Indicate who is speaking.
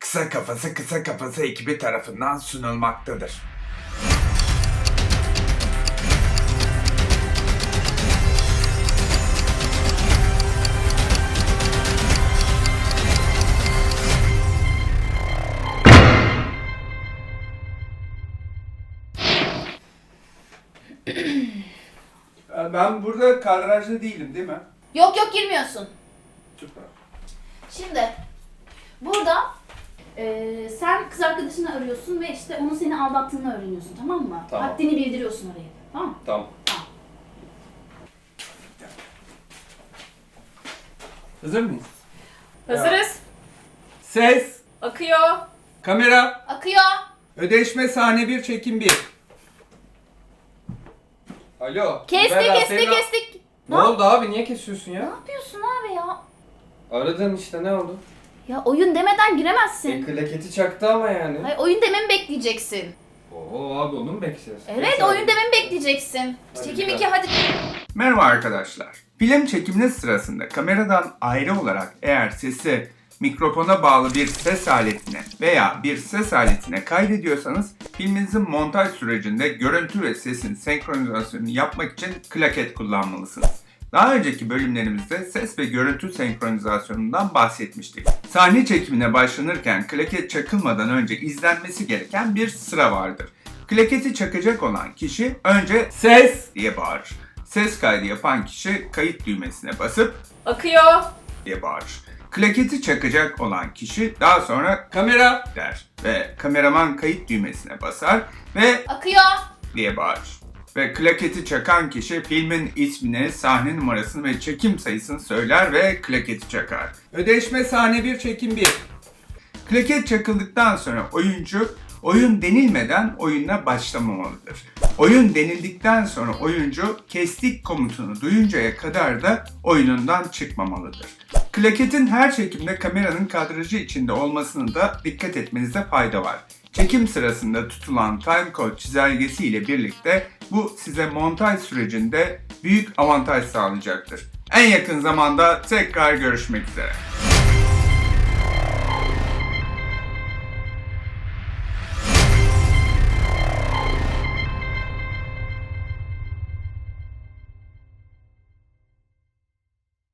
Speaker 1: Kısa Kafası ekibi tarafından sunulmaktadır.
Speaker 2: Ben burada kadrajda değilim değil mi?
Speaker 3: Yok girmiyorsun.
Speaker 2: Süper.
Speaker 3: Şimdi burada sen kız arkadaşını arıyorsun ve işte onun seni aldattığını öğreniyorsun, tamam mı?
Speaker 2: Tamam.
Speaker 3: Haddini bildiriyorsun oraya. Tamam mı?
Speaker 2: Tamam. Hazır mıyız?
Speaker 4: Hazırız.
Speaker 2: Ses,
Speaker 4: Akıyor.
Speaker 2: kamera,
Speaker 3: Akıyor.
Speaker 2: ödeşme sahne 1, çekim 1. Alo.
Speaker 3: Kestik.
Speaker 5: Ne oldu abi? Niye kesiyorsun
Speaker 3: Ne
Speaker 5: ya?
Speaker 3: yapıyorsun abi ya?
Speaker 5: Aradın işte, ne oldu?
Speaker 3: Ya oyun demeden giremezsin.
Speaker 5: Klaketi çaktı ama yani.
Speaker 3: Hayır, oyun dememi bekleyeceksin.
Speaker 5: Oo abi, onu mu bekleyeceğiz?
Speaker 3: Evet,
Speaker 5: Neyse
Speaker 3: oyun
Speaker 5: abi.
Speaker 3: dememi bekleyeceksin.
Speaker 5: Hadi
Speaker 3: Çekim
Speaker 5: bir
Speaker 3: 2
Speaker 5: daha.
Speaker 3: hadi.
Speaker 1: Merhaba arkadaşlar. Film çekiminiz sırasında kameradan ayrı olarak eğer sesi mikrofona bağlı bir ses aletine veya bir ses aletine kaydediyorsanız filminizin montaj sürecinde görüntü ve sesin senkronizasyonunu yapmak için klaket kullanmalısınız. Daha önceki bölümlerimizde ses ve görüntü senkronizasyonundan bahsetmiştik. Sahne çekimine başlanırken klaket çakılmadan önce izlenmesi gereken bir sıra vardır. Klaketi çakacak olan kişi önce
Speaker 2: Ses,
Speaker 1: diye bağırır. Ses kaydı yapan kişi kayıt düğmesine basıp
Speaker 4: Akıyor.
Speaker 1: diye bağırır. Klaketi çakacak olan kişi daha sonra
Speaker 2: kamera,
Speaker 1: der ve kameraman kayıt düğmesine basar ve
Speaker 3: Akıyor.
Speaker 1: diye bağırır. Ve klaketi çakan kişi filmin ismini, sahne numarasını ve çekim sayısını söyler ve klaketi çakar.
Speaker 2: ödeşme sahne 1, çekim 1.
Speaker 1: Klaket çakıldıktan sonra oyuncu oyun denilmeden oyuna başlamamalıdır. Oyun denildikten sonra oyuncu kestik komutunu duyuncaya kadar da oyunundan çıkmamalıdır. Klaketin her çekimde kameranın kadrajı içinde olmasını da dikkat etmenizde fayda var. Çekim sırasında tutulan timecode çizelgesi ile birlikte bu size montaj sürecinde büyük avantaj sağlayacaktır. En yakın zamanda tekrar görüşmek üzere.